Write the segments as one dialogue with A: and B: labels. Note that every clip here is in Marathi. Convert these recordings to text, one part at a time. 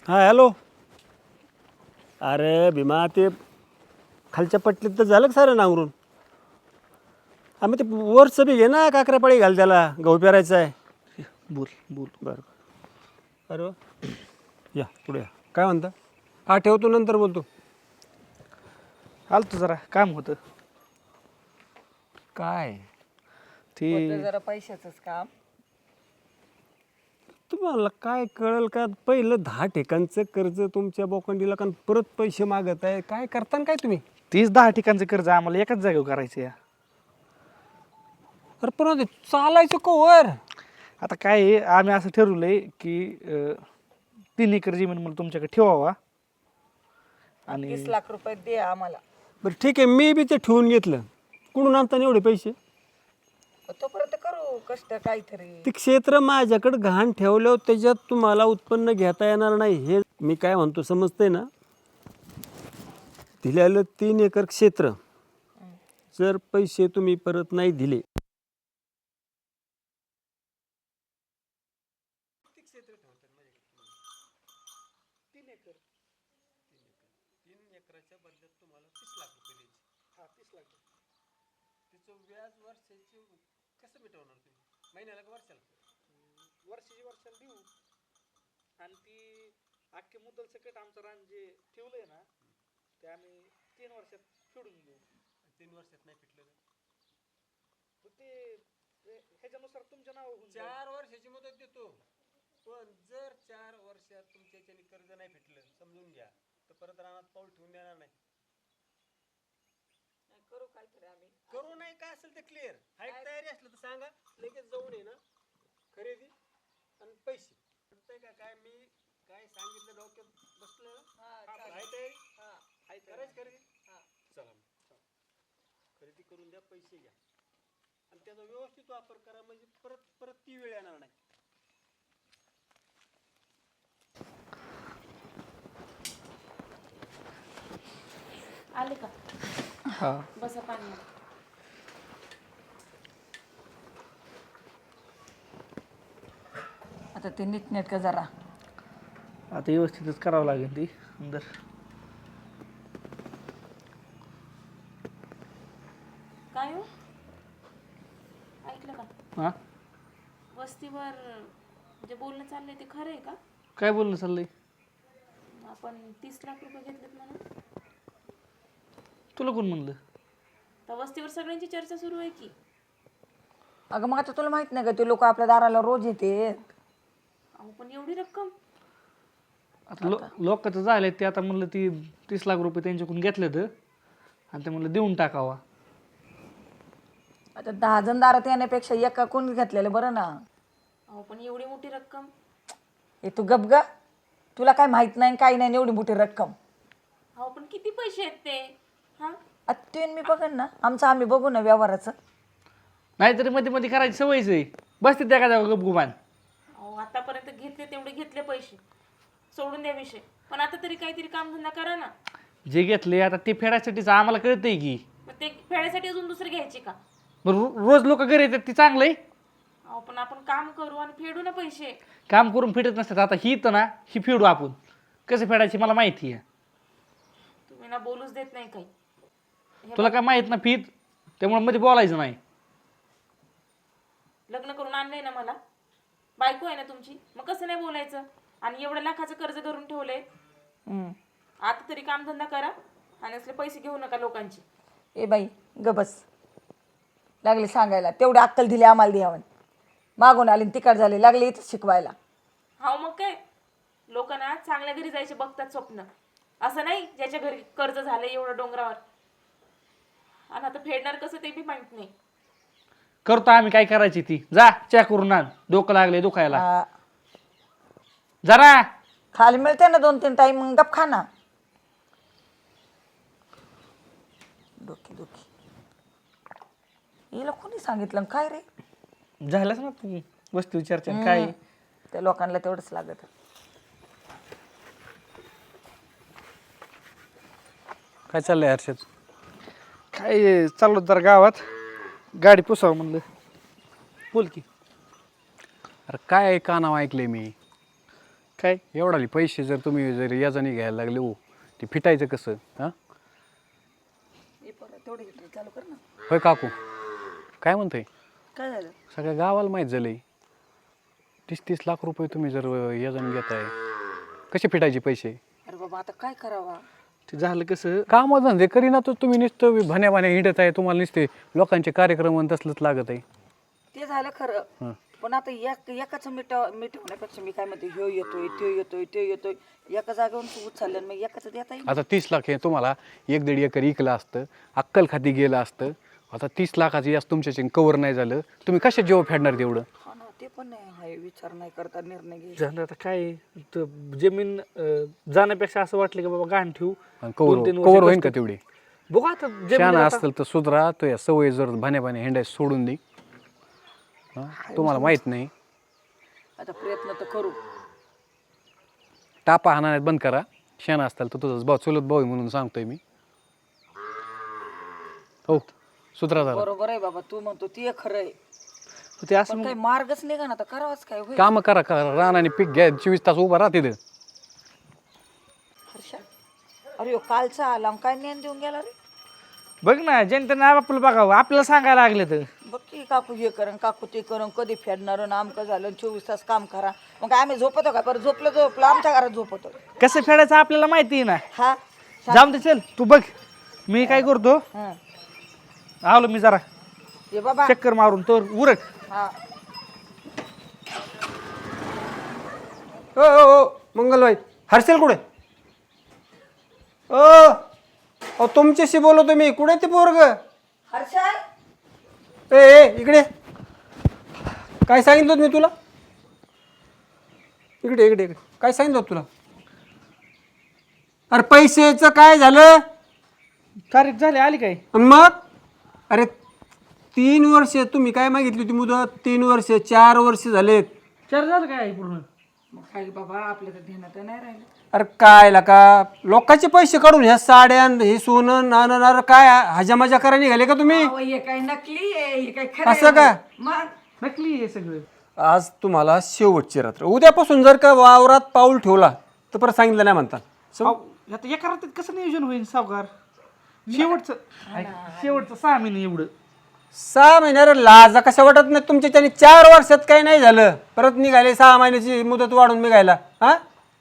A: हां हॅलो. अरे भीमा ते खालच्या पट्टीत तर झालं का सारं नांगरून. आम्ही ते वरचं बी घे ना, काकऱ्यापाळी घाल त्याला, गहू पेरायचा आहे.
B: बोल बोल.
A: बरं अरे वा. या पुढे या. काय म्हणता? हा ठेवतो, नंतर बोलतो.
B: आलतो जरा काम होतं
A: काय
C: होतं
B: ते.
C: जरा पैशाचंच काम.
A: तुम्हाला काय कळेल का? पहिलं 10 ठिकाणचं कर्ज तुमच्या बोकंडीला, कारण परत पैसे मागत आहे. काय करता काय तुम्ही?
B: 30-10 ठिकाणचं कर्ज आम्हाला एकाच जागेवर करायचं या.
A: अरे पण ते चालायचं कवर.
B: आता काय आहे, आम्ही असं ठरवलंय की 3 एकर जमीन मला तुमच्याकडे ठेवावा आणि
C: 30 लाख रुपये दे आम्हाला.
A: बरं ठीक आहे, मी बी ते ठेवून घेतलं. कुठून आणता एवढे पैसे?
C: तोपर्यंत करू कष्ट काहीतरी.
A: ते क्षेत्र माझ्याकडे घाण ठेवल्यावर त्याच्यात तुम्हाला उत्पन्न घेता येणार नाही. हे मी काय म्हणतो समजतंय ना? दिलेलं 3 एकर क्षेत्र जर पैसे तुम्ही परत नाही दिले,
B: वर्षाला देऊ. आणि ती अख्खे मुद्दल सकट आमचं रान जे ठेवलंय ना, ते आम्ही 3 वर्षात फेडून घेऊ.
A: 3 वर्षात नाही फिटलं
B: ते ह्याच्यानुसार तुमच्या नाव होऊन
A: 4 वर्षाची मुदत देतो. पण जर 4 वर्षात तुमच्या याच्याने कर्ज नाही फिटलं, समजून घ्या, तर परत रानात पाऊल ठेवून देणार नाही.
C: करू काहीतरी आम्ही.
A: करू नाही काय असेल ते क्लिअर हाय. तयारी असलं तर सांगा, लगेच जाऊन ये ना. खरेदी आणि पैसे वाटतंय का काय? मी काय सांगितलं डोक्यात बसलं ना? हाय तयारी? हाय करायची खरेदी. चला मग. खरेदी करून द्या, पैसे घ्या आणि त्याचा व्यवस्थित वापर करा, म्हणजे परत परत ती वेळ येणार नाही.
D: आले का?
B: हा.
D: बसा पाणी.
C: आता ते नीटनेटकं जरा.
B: आता व्यवस्थितच करावं लागेल ती अंदर.
D: काय हो? ऐकलं का?
B: हा,
D: वस्तीवर जे बोलणं चाललंय ते खरं आहे का?
B: काय बोलणं चाललंय?
D: आपण 30 लाख रुपये घेतलेत म्हणून.
B: तुला कोण म्हणलं?
D: तर वस्तीवर सगळ्यांची चर्चा सुरू आहे की.
C: अगं मग आता तुला माहित नाही का, ते लोक आपल्या दाराला रोज येते.
D: अहो पण एवढी रक्कम.
B: आता लोकांचं झालंय ते. आता म्हणलं ती 30 लाख रुपये त्यांच्याकडून घेतले तर, आणि ते म्हणलं देऊन टाकावा.
C: आता 10 जण दारात येण्यापेक्षा एका कोणी घेतलेलं बरं ना.
D: अहो पण एवढी मोठी रक्कम.
C: हे तू गप ग. तुला काय माहित नाही काही नाही एवढी मोठी रक्कम.
D: अहो पण किती पैसे आहेत ते? हा,
C: आता मी बघन ना, आमचं आम्ही बघू ना व्यवहाराचं.
B: नाहीतरी मध्ये मध्ये करायची सवयच आहे. बसते त्या का गपगुमान.
D: अहो आतापर्यंत घेतले तेवढे घेतले पैसे, सोडून द्या विषय. पण आता तरी काहीतरी कामधंदा करा ना.
B: जे घेतले आता ते फेडायसाठीच आम्हाला कळतंय की.
D: मग ते फेडायसाठी अजून दुसरे घ्यायचे का?
B: रोज लोक घरी येतात ती चांगलं आहे.
D: अहो पण आपण काम करू आणि फेडू ना पैसे.
B: काम करून फेडत नसतात. आता ही तर ना, ही फेडू आपण. कसं फेडायची मला माहिती आहे.
D: तुम्ही ना बोलूच देत नाही काही.
B: तुला काय माहित ना फीत, त्यामुळे मध्ये बोलायचं नाही.
D: लग्न करून आणलंय ना मला, बायको आहे ना तुमची, मग कसं नाही बोलायचं? आणि एवढ्या लाखाचं कर्ज धरून ठेवलंय. आता तरी कामधंदा करा आणि असले पैसे घेऊ नका लोकांचे.
C: ए बाई ग बस. लागले सांगायला, तेवढी अक्कल दिली आम्हाला द्यावं. मागून आली तिकड झाली, लागले इथं शिकवायला.
D: हा मग काय, लोक ना चांगल्या घरी जायचे बघतात स्वप्न. असं नाही ज्याच्या घरी कर्ज झालंय एवढं डोंगरावर, आणि आता फेडणार कसं ते बी माहित नाही.
B: करतो आम्ही काय करायची ती. जा चॅ करून आण, डोकं लागले दुखायला. जरा
C: खाली मिळते ना 2-3 टाईम, मग गप खा ना. डोकी डोकी हिला कोणी सांगितलं काय रे?
B: झालंच ना तू वस्तू चर्चा काय.
C: त्या लोकांना तेवढंच लागत.
A: काय चाललंय हर्षद?
B: काय चाललो जरा गावात, गाडी पुसावं म्हणलं. बोल की.
A: अरे काय का नाव ऐकले मी?
B: काय
A: एवढाले पैसे जर तुम्ही जर याजाने घ्यायला लागले हो ते फिटायचं कसं हां
C: तेवढे घेतले चालू कर ना.
A: होय काकू काय म्हणतोय
C: काय झालं?
A: सगळ्या गावाला माहीत झालंय 30-30 लाख रुपये तुम्ही जर याजाने घेताय कसे फिटायचे पैसे
C: अरे बाबा आता काय करावा?
B: ते झालं कसं
A: काम धंदे करीना तर तुम्ही नुसतं भाण्या हिंडत आहे तुम्हाला नुसते लोकांचे कार्यक्रम आणि तसलंच लागत आहे
C: ते झालं खरं
A: हं.
C: पण आता एकाच मिटवण्यापेक्षा मी काय म्हणते ह्यो येतोय तो येतोय एका जागेवरून तू उचललं मग एकाच देता येईल.
A: आता 30 लाख हे तुम्हाला 1-1.5 एकर इकलं असतं अक्कल खाती गेलं असतं आता 30 लाखाचं यास तुमच्याचे कवर नाही झालं तुम्ही कशा जेव्हा फेडणार तेवढं
C: हा ना ते पण नाही हाय विचार नाही करता निर्णय घ्यायचा.
B: झालं आता काय जमीन जाण्यापेक्षा असं वाटलं की बाबा गाण ठेवू
A: आणि
B: 2-3
A: कवर
B: वर्ष
A: होईन का
B: कष्ट-
A: तेवढी
B: बघू आता
A: शान
B: जमीन आता-
A: असतील तर सुधरा तो या सवय जर भाण्या हिंडाय सोडून दे तुम्हाला माहित नाही
C: आता प्रयत्न तर करू.
A: टापा हाणाण्यात बंद करा शान असताल तर तुझाच भाऊ चुलत भाऊ आहे म्हणून सांगतोय मी हो सुधरा जरा
C: बरोबर आहे बाबा तू म्हणतो ते खरं आहे
B: ते असं
C: पण काही मार्गच निघा ना आता करावाच काय होईल.
A: काम करा रान आणि पीक घ्या 24 तास उभा राहा तिथं
C: हर्षा अरे ह्यो कालचा आला आणि काय ज्ञान देऊन गेला रे.
B: बघ ना जनतेने आपलं बघावं आपल्याला सांगायला लागले तर
C: बघ की काकू हे करण काकू ते करण कधी फेडणार आमकं झालं 24 तास काम करा मग काय आम्ही झोपतो का बरं झोपलं आमच्या घरात झोपतो.
B: कसं फेडायचं आपल्याला माहिती आहे ना
C: हा
B: जाऊन दे चल तू बघ मी काय करतो
C: हा
B: आलो मी जरा
C: ये बाबा
B: चक्कर मारून तर उरक
C: हा
A: ओ मंगलबाई हर्षल कुठे ओ तुमच्याशी बोलतो मी कुठे ते पोरग
C: हर्षा
A: ए इकडे काय सांगितलं होतं मी तुला इकडे इकडे इकडे काय सांगितलं होतं तुला अरे पैशाचं काय झालं
B: तारीख झाली आली काय
A: आणि मग अरे 3 वर्ष तुम्ही काय मागितली होती मुदत 3 वर्ष 4 वर्ष झालेत
B: चार झालं काय पूर्ण
C: मग काय बाबा आपल्या तर ध्यानात नाही राहिलं.
A: अरे काय का लोकांचे पैसे काढून ह्या साड्या हे सोनं नाणं नाणं काय हजामजा करा निघाले का तुम्ही
C: अहो, हे काय नकली आहे हे काय खरं
A: असं का
C: मग
B: नकली हे सगळं
A: आज तुम्हाला शेवटची रात्र उद्यापासून जर का वावरात पाऊल ठेवला तर परत सांगितलं नाही म्हणता
B: आता एका रात्रीत कसं नियोजन होईल सावकार शेवटचं ऐक, शेवटचं 6 महिने एवढं
A: 6 महिन्याला लाजा कशा वाटत नाही तुमच्या त्याने 4 वर्षात काही नाही झालं परत निघाले 6 महिन्याची मुदत वाढून निघायला हा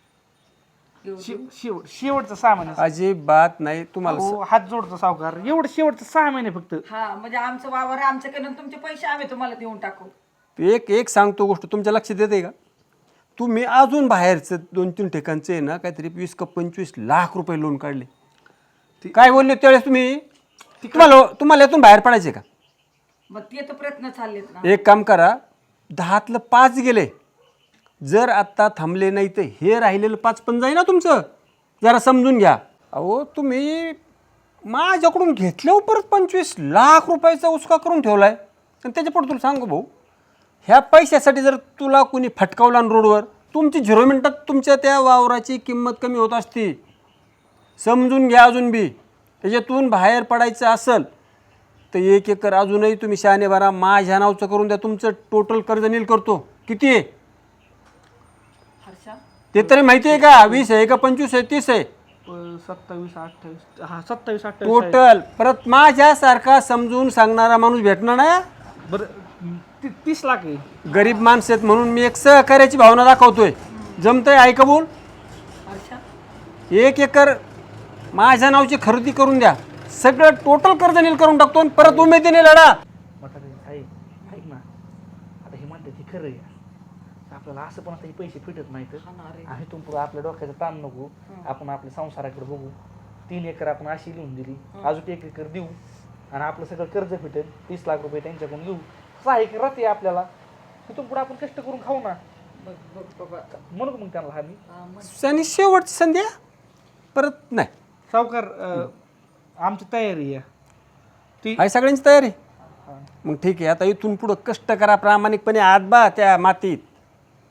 B: शेवटचं 6 महिने
A: अजिबात नाही तुम्हाला
B: हो, हात जोडतो सावकार एवढं शेवटचं 6 महिने फक्त
C: हा म्हणजे आमचं वावर आहे, आमच्याकडनं तुमचे पैसे आम्ही तुम्हाला देऊन टाकू.
A: एक सांगतो गोष्ट तुमच्या लक्षात येते का तुम्ही अजून बाहेरचं 2-3 ठिकाणचे ना काहीतरी 20 का 25 लाख रुपये लोन काढले काय बोलले त्यावेळेस तुम्ही तुम्हाला यातून बाहेर पडायचे का
C: मग ते तर प्रयत्न चाललेत ना.
A: एक काम करा 10तलं 5 गेले जर आत्ता थांबले नाही तर हे राहिलेलं 5 पण जाई ना तुमचं जरा समजून घ्या अहो तुम्ही माझ्याकडून घेतल्यावर परत 25 लाख रुपयाचा उसका करून ठेवला आहे आणि त्याच्यापुढे तुला सांगू भाऊ ह्या पैशासाठी जर तुला कोणी फटकावला रोडवर तुमची 0 मिनटात तुमच्या त्या वावराची किंमत कमी होत असती समजून घ्या अजून बी त्याच्यातून बाहेर पडायचं असेल तर 1 एकर अजूनही तुम्ही शहाणे भरा माझ्या नावचं करून द्या तुमचं टोटल कर्ज नील करतो किती आहे
C: हर्षा
A: ते तरी माहिती आहे का 20 आहे का 25 आहे 30 आहे
B: 27-28 हा 27-28
A: टोटल परत माझ्यासारखा समजून सांगणारा माणूस भेटणार नाही
B: बरं 30 लाख आहे
A: गरीब माणसं आहेत म्हणून मी एक सहकार्याची भावना दाखवतोय जमतंय आहे कबूल
C: हर्षा
A: 1 एकर माझ्या नावची खरेदी करून द्या सगळं टोटल कर्ज नील करून टाकतो आणि परत उमेदीने लढा
B: म्हातारे ऐक ना आता हे म्हणतात हे खरं आहे आपल्याला असं पण आता हे पैसे फिटत नाहीत आणि इथून पुढे आपल्या डोक्याचं ताण नको आपण आपल्या संसाराकडे बघू 3 एकर आपण अशी लिहून दिली अजून 1 एकर देऊ आणि आपलं सगळं कर्ज फिटेल 30 लाख रुपये त्यांच्याकडून घेऊ 6 एकर राहते आपल्याला तिथून पुढे आपण कष्ट करून खाऊ ना म्हणू मग त्यांना आम्ही
A: आणि शेवटची संधी आहे. परत नाही
B: सावकार आमची तयारी आहे ती
A: आहे सगळ्यांची तयारी मग ठीक आहे आता इथून पुढं कष्ट करा प्रामाणिकपणे हात बा त्या मातीत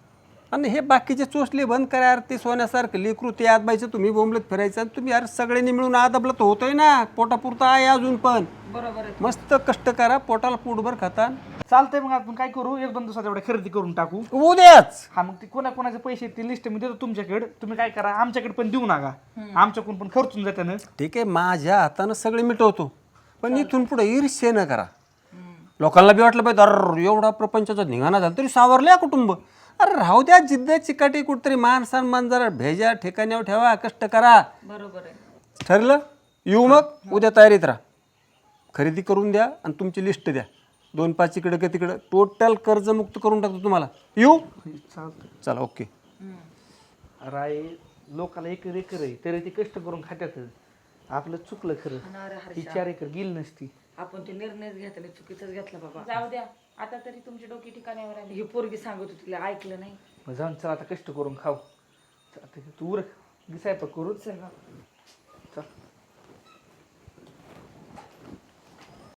E: आणि हे बाकीचे चोचले बंद करा यार. ते सोन्यासारखं लेकरू ते आत बाईचं तुम्ही बोंबलत फिरायचं आणि तुम्ही यार सगळ्यांनी मिळून आदबलं तर होतोय ना. पोटापुरतं आहे अजून पण.
C: बरोबर आहे.
E: मस्त कष्ट करा, पोटाला पोटभर खाता.
B: चालतंय मग आपण काय करू 1-2 दिवसात एवढ्या खरेदी करून टाकू.
E: उद्याच
B: हा मग ते कोणाकोणाचे पैसे ती लिस्ट मी देतो तुमच्याकडे. तुम्ही काय करा आमच्याकडे पण देऊ नका. आमच्याकडून पण खर्चून जाते ना.
E: ठीक आहे, माझ्या हातानं सगळे मिटवतो, पण इथून पुढे ईर्ष्य न करा. लोकांना बी वाटलं पाहिजे अरे एवढा प्रपंचाचा धिंगाणा झाला तरी सावरल्या कुटुंब. अरे राहू द्या, जिद्द चिकाटी कुठतरी मान सन्मान जरा भेजा ठिकाण्यावर ठेवा, कष्ट करा.
C: बरोबर आहे.
E: ठरलं? येऊ मग उद्या तयारीत राहा. खरेदी करून द्या आणि तुमची लिस्ट द्या. 2-5 इकडं का तिकडं टोटल कर्जमुक्त करून टाकतो तुम्हाला. येऊ?
B: चालतं.
E: चला ओके.
B: राय लोकाला एकर आहे तरी ते कष्ट करून खात्यात. आपलं चुकलं खरं. ती 4 एकर गेली नसती.
C: आपण ते निर्णयच घेतला चुकीचाच घेतला बाबा.
D: जाऊ द्या, आता तरी तुमची डोकी ठिकाण्यावर आली.
C: ही पोरगी सांगत होती तिला ऐकलं नाही.
B: मग जाऊन चला आता कष्ट करून खाऊ. आता तू उरक स्वयंपाक करू. चल